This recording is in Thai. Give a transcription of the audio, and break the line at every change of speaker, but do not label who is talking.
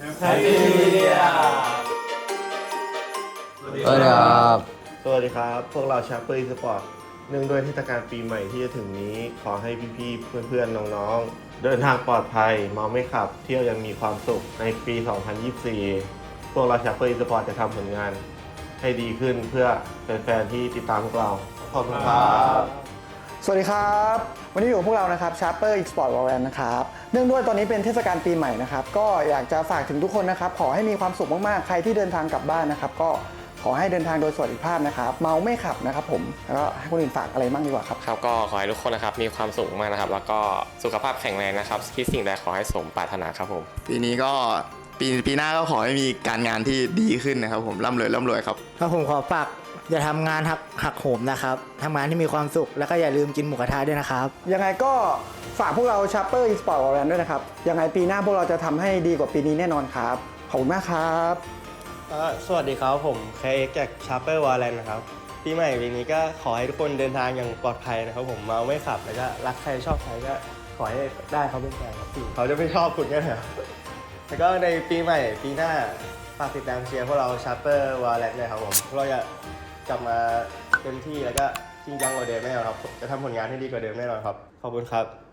Happy New Year
สวัสดีครับ
สวัสดีครับพวกเราชาเปอร์อีสปอร์ตเนื่องด้วยเทศกาลปีใหม่ที่จะถึงนี้ขอให้พี่ๆเพื่อนๆน้องๆเดินทางปลอดภัยเมาไม่ขับเที่ยวยังมีความสุขในปี 2024 พวกเราชาเปอร์อีสปอร์ตจะทำผลงานให้ดีขึ้นเพื่อแฟนๆที่ติดตามพวกเราขอบคุณครับ
สวัสดีครับวันนี้อยู่กับพวกเรานะครับ Sharper Export Valorant นะครับเนื่องด้วยตอนนี้เป็นเทศกาลปีใหม่นะครับก็อยากจะฝากถึงทุกคนนะครับขอให้มีความสุขมากๆใครที่เดินทางกลับบ้านนะครับก็ขอให้เดินทางโดยสวัสดิภาพนะครับเมาไม่ขับนะครับผมแล้วก็ให้คนอื่นฝากอะไรบ้างดีกว่าครับ
ครับก็ขอให้ทุกคนนะครับมีความสุขมากนะครับแล้วก็สุขภาพแข็งแรงนะครับคิดสิ่งใดขอให้สมปรารถนาครับผม
ปีนี้ก็ปีหน้าก็ขอให้มีการงานที่ดีขึ้นนะครับผมร่ำรวยครับ
ครับผมขอฝากอย่าทำงานหักโหมนะครับทำงานที่มีความสุขแล้วก็อย่าลืมกินหมูกระทะด้วยนะครับ
ยังไงก็ฝากพวกเรา Sharper Export Valorant ด้วยนะครับยังไงปีหน้าพวกเราจะทำให้ดีกว่าปีนี้แน่นอนครับขอบคุณมากครับ
สวัสดีครับผมเคกจาก Sharper Valorant นะครับปีใหม่ปีนี้ก็ขอให้ทุกคนเดินทางอย่างปลอดภัยนะครับผมเมาไม่ขับแล้วก็รักใครชอบใครก็ขอให้ได้เขาเป็นแฟนครับพี่เขาจะไม่ชอบคุณก็เถอะแล้วก็ในปีใหม่ปีหน้าฝากติดตามเชียร์พวกเรา Sharper Valorant เลยครับผมพวกเราจะกลับมาเต็มที่แล้วก็จริงจังกว่าเดิมแน่นอนครับจะทำผลงานให้ดีกว่าเดิมแน่นอนครับขอบคุณครับ